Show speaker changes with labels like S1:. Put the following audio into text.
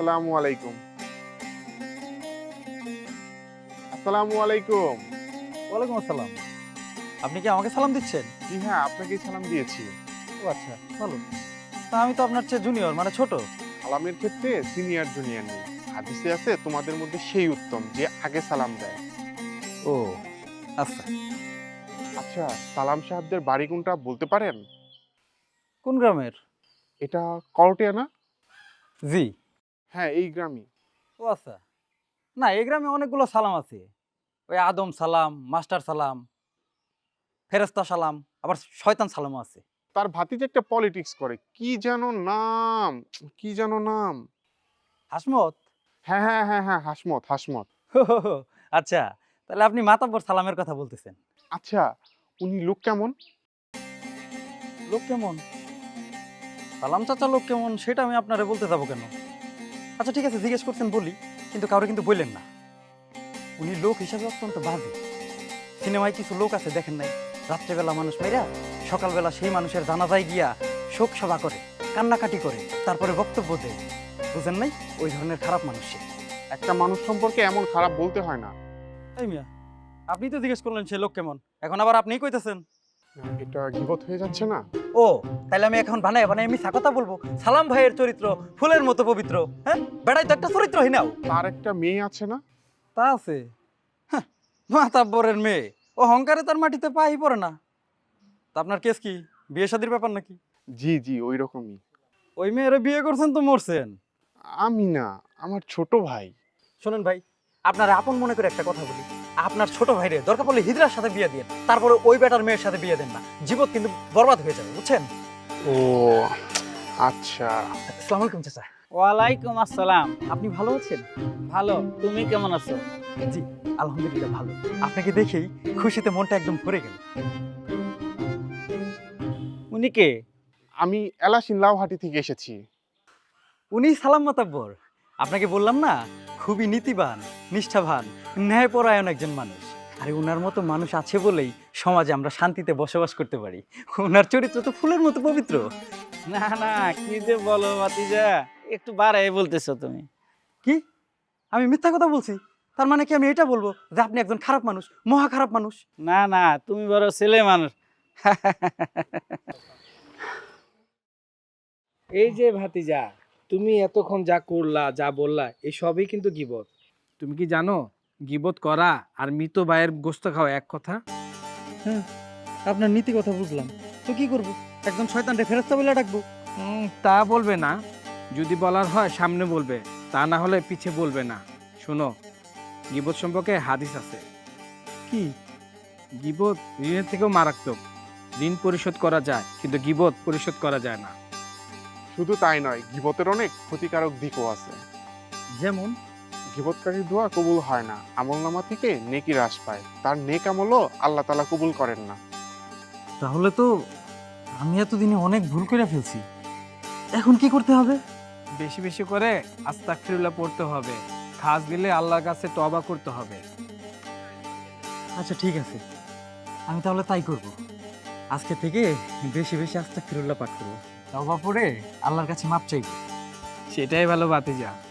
S1: আসসালামু আলাইকুম। আসসালামু আলাইকুম।
S2: ওয়ালাইকুম আসসালাম। আপনি কি আমাকে সালাম দিচ্ছেন?
S1: জি হ্যাঁ, আপনাকেই সালাম দিয়েছি।
S2: ও আচ্ছা, ভালো। তা আমি তো আপনার চেয়ে জুনিয়র, মানে ছোট।
S1: সালামের ক্ষেত্রে সিনিয়র জুনিয়র নেই। হাদিসে আছে তোমাদের মধ্যে সেই উত্তম যে আগে সালাম দেয়।
S2: ও আচ্ছা।
S1: আচ্ছা, সালাম সাহেবদের বাড়ি কোনটা বলতে পারেন?
S2: কোন গ্রামের?
S1: এটা করটিয়া না?
S2: জি।
S1: হ্যাঁ, এই গ্রামই।
S2: ও আচ্ছা। না, এই গ্রামে অনেকগুলো সালাম আছে। ওই আদম সালাম, মাস্টার সালাম, ফেরেশতা সালাম, আবার শয়তান সালামও আছে।
S1: তার ভাতিজা একটা পলিটিক্স করে। কি যেন নাম? কি যেন নাম?
S2: হাসমত?
S1: হ্যাঁ, হ্যাঁ, হ্যাঁ, হ্যাঁ, হাসমত, হাসমত।
S2: আচ্ছা, তাহলে আপনি মাতাব্বর সালামের কথা বলতেছেন।
S1: আচ্ছা, উনি লোক কেমন?
S2: লোক কেমন? সালাম চাচা লোক কেমন সেটা আমি আপনারে বলতে যাবো কেন? আচ্ছা ঠিক আছে, জিজ্ঞেস করছেন বলি, কিন্তু কাউরে কিন্তু বললেন না। উনি লোক হিসাবে অত্যন্ত বাজে। সিনেমায় কিছু লোক আছে দেখেন নাই, রাত্রেবেলা মানুষ মেরা সকালবেলা সেই মানুষের জানাজায় গিয়া শোক সভা করে, কান্নাকাটি করে, তারপরে বক্তব্য দেয়। বুঝেন নাই? ওই ধরনের খারাপ মানুষ সে।
S1: একটা মানুষ সম্পর্কে এমন খারাপ বলতে হয় না।
S2: এই মিয়া, আপনি তো জিজ্ঞেস করলেন সে লোক কেমন, এখন আবার আপনিই কইতেছেন।
S1: এটা গীবত হয়ে যাচ্ছে না?
S2: ও, তাহলে আমি এখন বানায় বানায় মিথ্যা কথা বলবো? সালাম ভাইয়ের চরিত্র ফুলের মতো পবিত্র। হ্যাঁ, বেড়াই তো একটা চরিত্রহীনাও।
S1: তার একটা মেয়ে আছে না?
S2: তা আছে। হ্যাঁ, মাতাব্বরের মেয়ে, ও অহংকারে তার মাটিতে পাই পড়ে না। তা আপনার কেস কি, বিয়ে শাদীর ব্যাপার নাকি?
S1: জি জি, ওই রকমই।
S2: ওই মেয়েরে বিয়ে করছেন তো মরছেন।
S1: আমি না, আমার ছোট ভাই।
S2: শোনেন ভাই, আপনার আপন মনে করে একটা কথা বলি, আপনার ছোট ভাইরে দরকার পড়লে হিজড়ার সাথে বিয়ে দিয়ে, তারপরে ওই বেটার মেয়ের সাথে বিয়ে দেন না, জীবন কিন্তু বরবাদ হয়ে যাবে, বুঝছেন?
S1: ও আচ্ছা।
S2: আসসালামু আলাইকুম চাচা।
S3: ওয়ালাইকুম আসসালাম।
S2: আপনি ভালো আছেন?
S3: ভালো, তুমি কেমন আছো?
S2: জি, আলহামদুলিল্লাহ ভালো। আপনাকে দেখেই খুশিতে মনটা একদম ভরে গেল।
S3: উনি কে?
S1: আমি এলাসিন লাউহাটি থেকে এসেছি।
S2: উনি সালাম মাতাব্বর। আপনাকে বললাম না, খুবই নীতিবান, নিষ্ঠাবান, ন্যায়পরায়ণ একজন মানুষ। আরে উনার মতো মানুষ আছে বলেই সমাজে আমরা শান্তিতে বসবাস করতে পারি। উনার চরিত্র তো ফুলের মতো পবিত্র।
S3: না না, কি যে বলো ভাতিজা, একটু বাড়াই বলতেছো তুমি।
S2: কি? আমি মিথ্যা কথা বলছি? তার মানে কি আমি এটা বলবো যে আপনি একজন খারাপ মানুষ, মহা খারাপ মানুষ?
S3: না না, তুমি বড় ছেলে মানুষ।
S4: এই যে ভাতিজা, তুমি এতক্ষণ যা করলা যা বললা এই সবই কিন্তু গীবত। তুমি কি জানো গীবত করা আর মৃত ভাইয়ের গোস্ত খাওয়া এক কথা?
S2: হ্যাঁ, আপনার নীতি কথা বুঝলাম, তো কি করব? একজন শয়তানরে ফেরেশতা বলে ডাকবো?
S4: তা বলবে না, যদি বলার হয় সামনে বলবে, তা না হলে পিছে বলবে না। শোনো, গীবত সম্পর্কে হাদিস আছে।
S2: কি?
S4: গীবত ঋণের থেকেও মারাত্মক। ঋণ পরিশোধ করা যায় কিন্তু গীবত পরিশোধ করা যায় না।
S1: শুধু তাই নয়, গীবতের অনেক ক্ষতিকারক দিকও আছে।
S2: যেমন?
S1: গীবতকারীর দোয়া কবুল হয় না, আমলনামা থেকে নেকি হ্রাস পায়, তার নেক আমলও আল্লাহ তাআলা কবুল করেন না।
S2: তাহলে তো আমি এতদিনে অনেক ভুল করে ফেলছি। এখন কি করতে হবে?
S4: বেশি বেশি করে আস্তাগফিরুল্লাহ পড়তে হবে। খাস দিলে আল্লাহর কাছে তওবা করতে হবে।
S2: আচ্ছা ঠিক আছে, আমি তাহলে তাই করব। আজকে থেকে বেশি বেশি আস্তাগফিরুল্লাহ পাঠ করব, তওবা পড়ে আল্লাহর কাছে মাপ চাইব।
S4: সেটাই ভালো ভাতিজা।